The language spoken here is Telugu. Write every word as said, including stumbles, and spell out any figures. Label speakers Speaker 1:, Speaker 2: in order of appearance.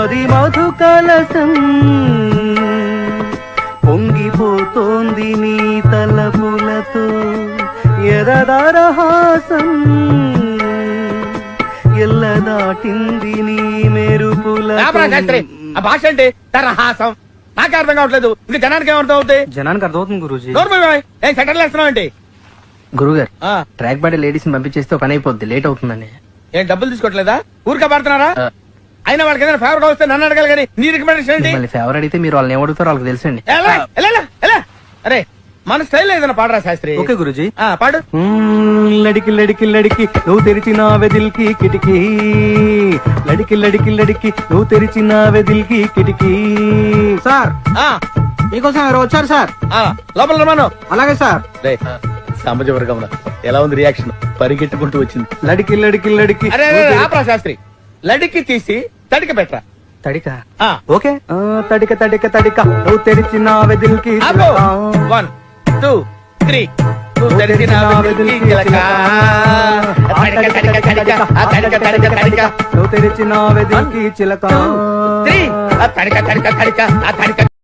Speaker 1: మది మధు కలసం పొంగిపోతోంది నీ తలపులతో ఎరదరహాసం ఎల్ల దాటింది నీ మెరుపుల
Speaker 2: భాష అంటే తరహాసం నాకే అర్థం కావట్లేదు ఇంకా జనానికి ఏమర్థం అవుతాయి?
Speaker 1: జనానికి అర్థమవుతుంది గురూజీ.
Speaker 2: ఏం సెటర్లు వేస్తున్నావు అంటే
Speaker 1: గురుగారు ట్రాక్ బాడీ లేడీస్ పంపించేస్తే పని అయిపోద్ది, లేట్ అవుతుందని.
Speaker 2: ఏం డబ్బులు తీసుకోవట్లేదా? ఊరికే పడుతున్నారా? అయినా వాళ్ళకి ఏదైనా ఫేవర్ వస్తే నన్ను అడగాలి కానీ నీ రికమెండేషన్ ఏంటి?
Speaker 1: మళ్ళీ ఫేవర్ అడిగితే మీరు వాళ్ళని ఏమడుగుతారో వాళ్ళకి తెలుసండి.
Speaker 2: ఎలా? ఎలా? ఎలా? ఎలా? అరే మన స్టైల్ ఏదైనా పాడరా శాస్త్రి.
Speaker 1: ఓకే గురూజీ.
Speaker 2: ఆ, పాడు.
Speaker 1: లడికి లడికి లడికి నువ్వు తెరిచిన వెదిల్కి కిటికీ, లడికి లడికి లడికి నువ్వు తెరిచిన వెదిల్కి కిటికీ. సార్
Speaker 2: ఆ,
Speaker 1: మీకోసం ఎవరు వచ్చారు సార్?
Speaker 2: ఆ, లోపల రమాను.
Speaker 1: అలాగే సార్.
Speaker 2: సామాజిక వర్గం ఎలా ఉంది రియాక్షన్? పరిగెట్టుకుంటూ వచ్చింది.
Speaker 1: లడికి లడికి లడికి
Speaker 2: అరే ఆపరా శాస్త్రి, లడికి తీసి తడిక పెట్టరా.
Speaker 1: తడిక
Speaker 2: ఆ,
Speaker 1: ఓకే. తడిక తడిక తడిక నువ్వు తెరిచిన వెదిల్కి
Speaker 2: ఆపు. వన్ టూ త్రీ నువ్వు తెరిచిన వెదిల్కి చిలక. తడిక తడిక తడిక ఆ తడిక తడిక తడిక
Speaker 1: నువ్వు తెరిచిన వెదిల్కి చిలక.
Speaker 2: త్రీ ఆ తడిక తడిక తడిక ఆ తడిక